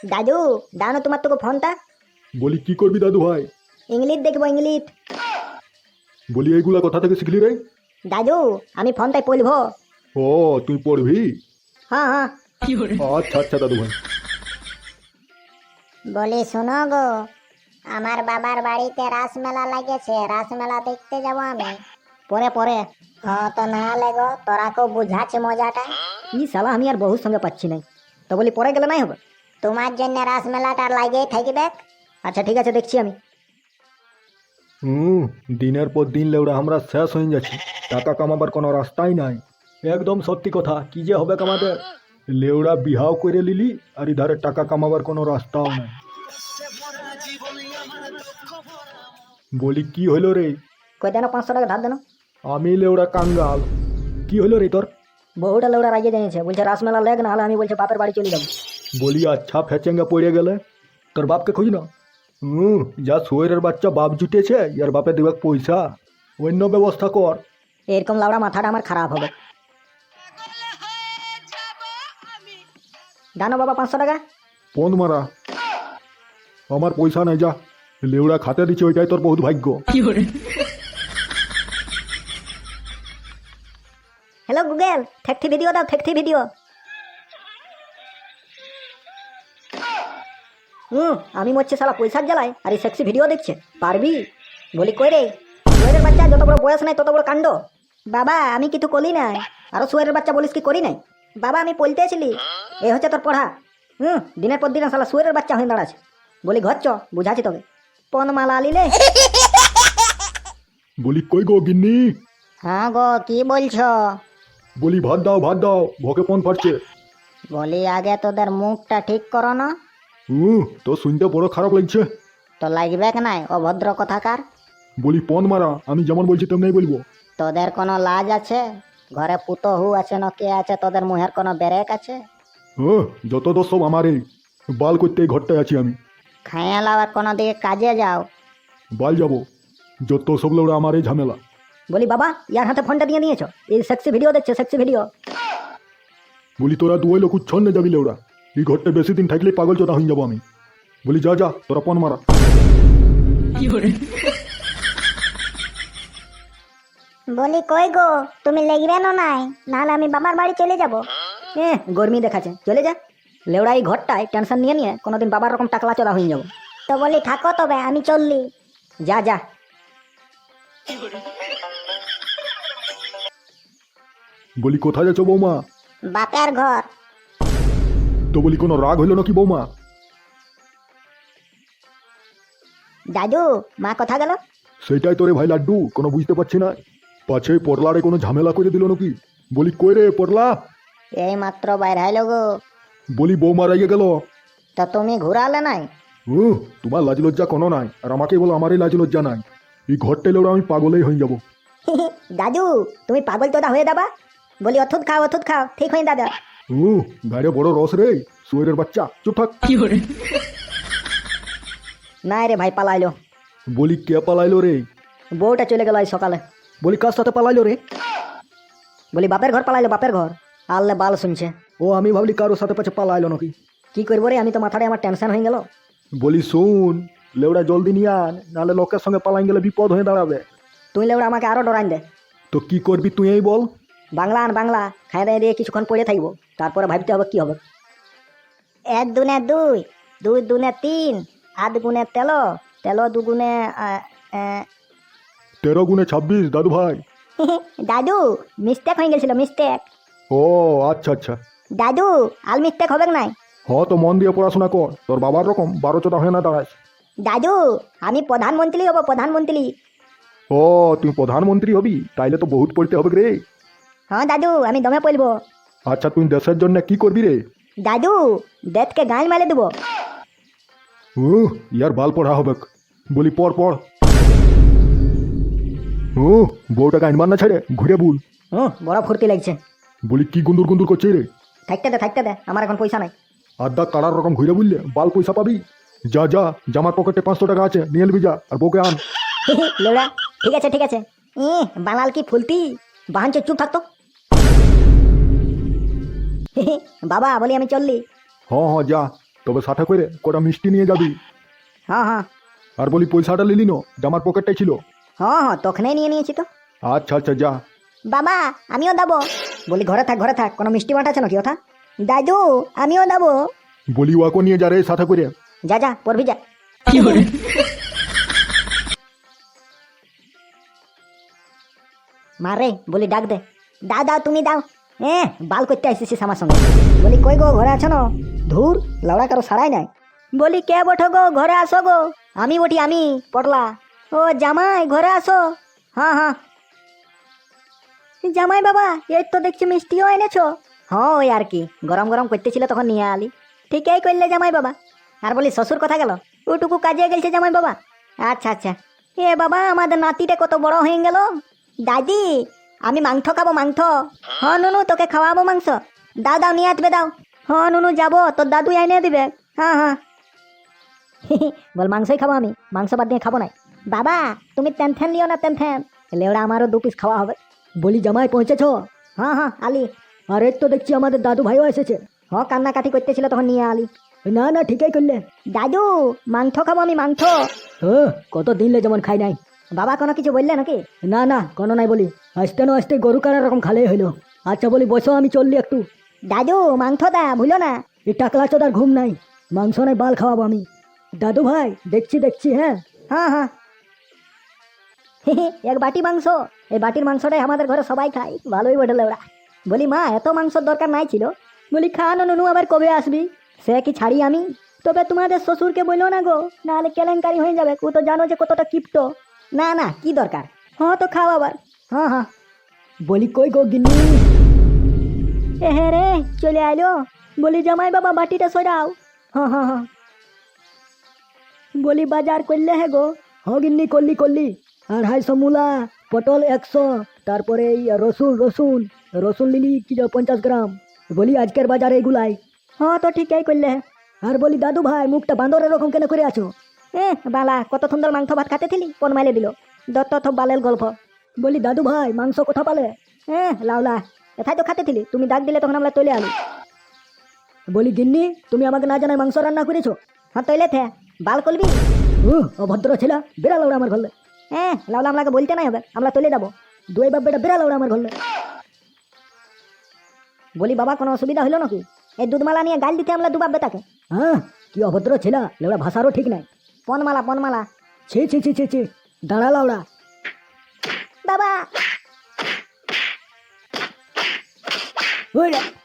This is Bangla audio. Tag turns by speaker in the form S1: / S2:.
S1: দাদু দাও না তোমার তোকে ফোনটা।
S2: বলি কি করবি দাদু ভাই?
S1: ইংলিশ দেখবো ইংলিশ।
S2: বলি এইগুলা কোথা থেকে শিখলি রে?
S1: দাদু আমি ফোনটাই পড়বো।
S2: ও তুই পড়বি?
S1: হ্যাঁ হ্যাঁ।
S2: আচ্ছা আচ্ছা দাদু ভাই।
S3: বলি শোনো গো, আমার বাবার বাড়িতে রাসমেলা লাগেছে, রাসমেলা দেখতে যাব আমি।
S1: পরে পরে।
S3: হ্যাঁ তো না লেগো, তোরা কেউ বুঝাচ্ছে মজাটা।
S1: ই শালা আমি আর বহুর সঙ্গে পাচ্ছি নাই, তো বলি পরে গেলে নাই হবে।
S3: তোমার জন্য রাসমেলাটা লাগেই থাকবে।
S1: আচ্ছা ঠিক আছে দেখছি আমি।
S2: দিনের পর দিন লেউড়া আমরা শেষ হয়ে যাচ্ছি, টাকা কামাবার কোনো রাস্তাই নাই। একদম সত্যি কথা, কি যে হবে আমাদের। লেউড়া বিহাও করে লিলি আর ইধারে টাকা কামাবার কোনো রাস্তাও নাই। বলি কি হইল রে?
S1: কই দেন 500 টাকা ধার দেন।
S2: আমি লেউড়া কাঙ্গাল। কি হইল রে তোর?
S1: বহুটা লোকরা রাগিয়ে জানিয়েছে, বলছে রাসমেলা লেগ না হলে আমি বলছে বাপের বাড়ি চলে যাবো।
S2: বলি আচ্ছা ফেচেঙ্গা পড়ে গেলে তোর বাপকে খুঁজ না। যা সোয়ের বাচ্চা বাপ জুটেছে, ইয়ার বাপে দেবে পয়সা, অন্য ব্যবস্থা কর।
S1: এরকম লাউড়া মাথাটা আমার খারাপ হবে। দানো বাবা 500 টাকা।
S2: পন মারা, আমার পয়সা নাই, যা লেউড়া খাতে দিচ্ছে, ওইটাই তোর বহুত ভাগ্য।
S1: হ্যালো গুগল, ঠেকঠি ভিডিও দাও, ঠেকঠি ভিডিও। আমি মরছি শালা পয়সার জ্বালায়, আর এই সেক্সি ভিডিও দেখছে। পারবি? বলি কই রে সুয়েরের বাচ্চা, যত বড় বয়স নাই তত বড় কাণ্ড। বাবা আমি কিছু করি নাই। আরো সুয়েরের বাচ্চা বলিস কি করি নাই? বাবা আমি পলতেছিলি। এই হচ্ছে তোর পড়া। দিনের পর দিন শালা সুয়েরের বাচ্চা হয়ে দাঁড়াচ্ছে। বলি ঘর চ, বুঝাচ্ছি তোকে। পন মালা আলিলে।
S2: বলি কই গো গিন্নি?
S3: হ্যাঁ গো, কি বলছো?
S2: বলি ভাত দাও ভাত দাও, ভোকে পন ফাটছে।
S3: বলি আগে তোদের মুখটা ঠিক করো না।
S2: তো শুনতে বড় খারাপ লাগছে।
S3: তো লাগবে নাই অভদ্র কথাকার।
S2: বলি পন মারা, আমি যেমন বলছি তেমনি বলবো।
S3: তোদের কোনো লাজ আছে? ঘরে পুতহু আছে না কে আছে, তোদের মুহের কোনো ব্রেক আছে?
S2: যত দোষ সব আমারই। বাল করতে এই ঘরটায় আছি আমি।
S3: খাইয়া লাবার কোনো দিকে কাজে যাও।
S2: বাল যাবো, যত সব লেউড়া আমার এই ঝামেলা।
S1: বলি বাবা ইয়ার হাতে ফোনটা দিয়ে নিয়েছো, এই সেক্সি ভিডিও দেখছে, সেক্সি ভিডিও।
S2: বলি তোরা দুই লোক উচ্ছন্নে যাবি লেউড়া, এই ঘরটা বেশি দিন থাকলে পাগল চোদা হয়ে যাবো আমি। বলি যা যা তোরা পন মারা।
S3: বলি কই গো, তুমি লেগবে না নাই, নাহলে আমি বাবার বাড়ি চলে যাব।
S1: গরমি দেখাচ্ছে, চলে যা। লেউড়া এই ঘরটায় টেনশন নিয়ে নিয়ে কোনোদিন বাবার রকম টাকলা চড়া হয়ে যাবো।
S3: তো বলি থাকো তবে, আমি চললি।
S1: যা যা।
S2: বলি কোথায় যাচ্ছ বৌমা?
S3: বাপের ঘর।
S2: তো বলি কোনো রাগ হইল নাকি বৌমা?
S1: দাদু মা কোথা গেল?
S2: সেটাই তোরে ভাই লাড্ডু, কোনো বুঝতে পারছি না। পাছে পটলারে কোনো ঝামেলা করে দিল নাকি? বলি কই রে পটলা?
S3: এই মাত্র বাইরে আইলো গো।
S2: বলি বৌমা রাইগে গেল।
S3: তা তুমি ঘুরালে নাই?
S2: তোমার লাজ লজ্জা কোনো নাই, আর আমাকে বলো আমারই লাজ লজ্জা নাই। এই ঘরটা এলে আমি পাগলেই হয়ে যাবো।
S1: দাদু তুমি পাগল তোদা হয়ে দাবা। বলি ওষুধ খাও, ওষুধ খাও, ঠিক হয়ে দাদা।
S2: গাড়ি বড় রস রে, সুয়ের বাচ্চা, চুপ থাক।
S1: না রে ভাই পালাইলো।
S2: বলি কে পালাইলো রে?
S1: বউটা চলে গেল আজ সকালে।
S2: বলি কার সাথে পালাইলো রে?
S1: বলি বাপের ঘর পালাইলো, বাপের ঘর। আল্লে বাল শুনছে।
S2: ও আমি ভাবলি কারোর সাথে পাছে পালাইলো নাকি।
S1: কি করবো রে, আমি তো মাথাটা আমার টেনশন হয়ে গেল।
S2: বলি শুন, লেউড়া জলদি নিয়ে আন, নাহলে লোকের সঙ্গে পালাই গেলে বিপদ হয়ে দাঁড়াবে।
S1: তুই লেউড়া আমাকে আরো ডরাইন দে।
S2: তো কি করবি তুই এই বল।
S1: বাংলা আন বাংলা, খাই দাই দিয়ে কিছুক্ষণ পড়ে থাকবো, তারপরে ভাবতে হবে কি হবে।
S3: 1 দুনে 2, 2 দুনে 3, 8 গুনে 13, 13 দুগুনে
S2: 13 গুণে 26 দাদু ভাই।
S3: দাদু মিস্টেক হয়ে গেছিল, মিস্টেক।
S2: ও আচ্ছা আচ্ছা।
S3: দাদু আল মিস্টেক হবে নাই?
S2: তো মন দিয়ে পড়াশোনা কর, তোর বাবার রকম 12 হয়ে না দাঁড়াস।
S3: দাদু আমি প্রধানমন্ত্রী হব, প্রধানমন্ত্রী।
S2: ও তুই প্রধানমন্ত্রী হবি, তাইলে তো বহুত পড়তে হবে রে।
S3: হ্যাঁ দাদু আমি দমে পড়বো।
S2: আচ্ছা তুই দেশের জন্য কি করবি রে?
S3: দাদু দেশকে গাল মেলে দেবো।
S2: ইয়ার বাল পড়া হবে। বলি পড় পড়। বউটাকে আইনবার না ছেড়ে ঘুরে বুল।
S1: বড় ফুর্তি লাগছে।
S2: বলি কি গুন্দুর গুন্দুর করছে রে?
S1: থাকতে দে, আমার এখন পয়সা নাই।
S2: আড্ডা কাড়ার রকম ঘুরে বুললে বাল পয়সা পাবি। যা যা, জামার পকেটে 500 টাকা আছে, নিয়ে নিবি যা, আর বউকে আন।
S1: লেউড়া ঠিক আছে ঠিক আছে। বানাল কি ফুলতি, বাহানচে চুপ থাকতো। বাবা বলি আমি চললি।
S2: হ্যাঁ যা। তবে সাথে করে কটা মিষ্টি নিয়ে যাবি।
S1: হ্যাঁ হ্যাঁ
S2: আর বলি পয়সাটা নিলি না, জামার পকেটটাই ছিল।
S1: হ্যাঁ হ্যাঁ তখনই নিয়ে নিয়েছি তো।
S2: আচ্ছা আচ্ছা যা।
S3: বাবা আমিও দেবো।
S1: বলি ঘরে থাক কোনো মিষ্টি বাটা আছে নাকি ওঠা?
S3: দাদু আমিও দেবো।
S2: বলি ওয়াকো নিয়ে যা রে সাথে করে।
S1: যা পড়বি যা। মারে বলি ডাক দে।
S3: দাও তুমি দাও।
S1: বাল করতে আসিস আমার সঙ্গে। বলি কই গো ঘরে আছো না? ধুর লাউড়া কারো সারাই নাই। বলি কে বঠো গো ঘরে আসো গো। আমি বটি আমি পটলা। ও জামাই ঘরে আসো। হ্যাঁ জামাই বাবা এই তো দেখছি মিষ্টিও এনেছো। হ্যাঁ ওই আর কি গরম গরম করতেছিল তখন নিয়ে আলি। ঠিকই করলে জামাই বাবা। আর বলি শ্বশুর কথা গেল? ওটুকু কাজে গেছে জামাই বাবা। আচ্ছা এ বাবা আমাদের নাতিটা কত বড় হয়ে গেল।
S3: দাদি
S1: আমি মাংস খাবো মাংস। হ্যাঁ নুনু তোকে খাওয়াবো মাংস। দাও নিয়ে আসবে দাও। হ্যাঁ নুনু যাবো তোর দাদু এনে দিবে। হ্যাঁ বল মাংসই খাবো আমি, মাংস বাদ দিয়ে খাবো নাই।
S3: বাবা তুমি টেনশন লিও না টেনশন।
S1: লেওড়া আমারও 2 পিস খাওয়া হবে। বলি জামাই পৌঁছেছো? হ্যাঁ আলি। আরে তো দেখছি আমাদের দাদু ভাইও এসেছে। হ্যাঁ কান্নাকাটি করতেছিল তখন নিয়ে আলি। না ঠিকই করলে।
S3: দাদু মাংস খাবো আমি মাংস।
S1: কত দিনলে যেমন খাই নাই। বাবা কোনো কিছু বললে নাকি? না কোনো নাই বলি। আসতে গরু কানা রকম খালেই হইলো। আচ্ছা বলি বসো আমি চললি একটু।
S3: দাদু মাংস দা ভুলো না।
S1: এই টাকলা চোদার ঘুম নাই, মাংস নাই বাল খাওয়াবো আমি। দাদু ভাই দেখছি হ্যাঁ এক বাটি মাংস। এই বাটির মাংসটাই আমাদের ঘরে সবাই খায়, ভালোই বটে ওরা। বলি মা এত মাংসর দরকার নাই ছিল। বলি খা নুনু আবার কবে আসবি? সে কি ছাড়ি আমি? তবে তোমাদের শ্বশুরকে বললো না গো, নাহলে কেলেঙ্কারি হয়ে যাবে। ও তো জানো যে কতটা কিপ্ট। না কি দরকার। হ্যাঁ তো খাও আবার। হ্যাঁ বলি কই গো গিন্নি? হ্যাঁ রে চলে আইলো। বলি জামাই বাবা বাটিটা সরাও। হ্যাঁ বলি বাজার করলে হে গো? হ্যাঁ গিন্নি করলি 250 মূলা, পটল 100, তারপরে এই রসুন লিলি কি 50 গ্রাম। বলি আজকের বাজারে এগুলাই। হ্যাঁ তো ঠিকই করলে। আর বলি দাদু ভাই মুখটা বান্দরের রকম কেন করে আছো? বালা কত সুন্দর মাংস ভাত খাতে থিলি, কোন মাইলে দিল দত্ত বালের গল্প। বলি দাদু ভাই মাংস কোথা পালে? লাউলা এথাই তো খাতে থিলি, তুমি ডাক দিলে তখন আমরা তৈলে আলু। বলি গিন্নি তুমি আমাকে না জানাই মাংস রান্না করেছো? হ্যাঁ তৈলে থে বাল করবি। অভদ্র ছেলা বেড়া লাউড়া আমার ঘরলে। লাউলা আমাকে বলতে নাই হবে, আমরা তৈলে যাবো। দুই বাপ বেটা বেড়া লাউড়া আমার ঘরলে। বলি বাবা কোনো অসুবিধা হলো নাকি?
S3: এই দুধমালা নিয়ে গাল দিতে আমরা দুবাব বেটাকে।
S1: কি অভদ্র ছেলা, লেওড়া ভাষারও ঠিক নাই।
S3: পনমালা
S1: ছি দাঁড়া লাউড়া।
S3: বাবা
S1: ওই রে।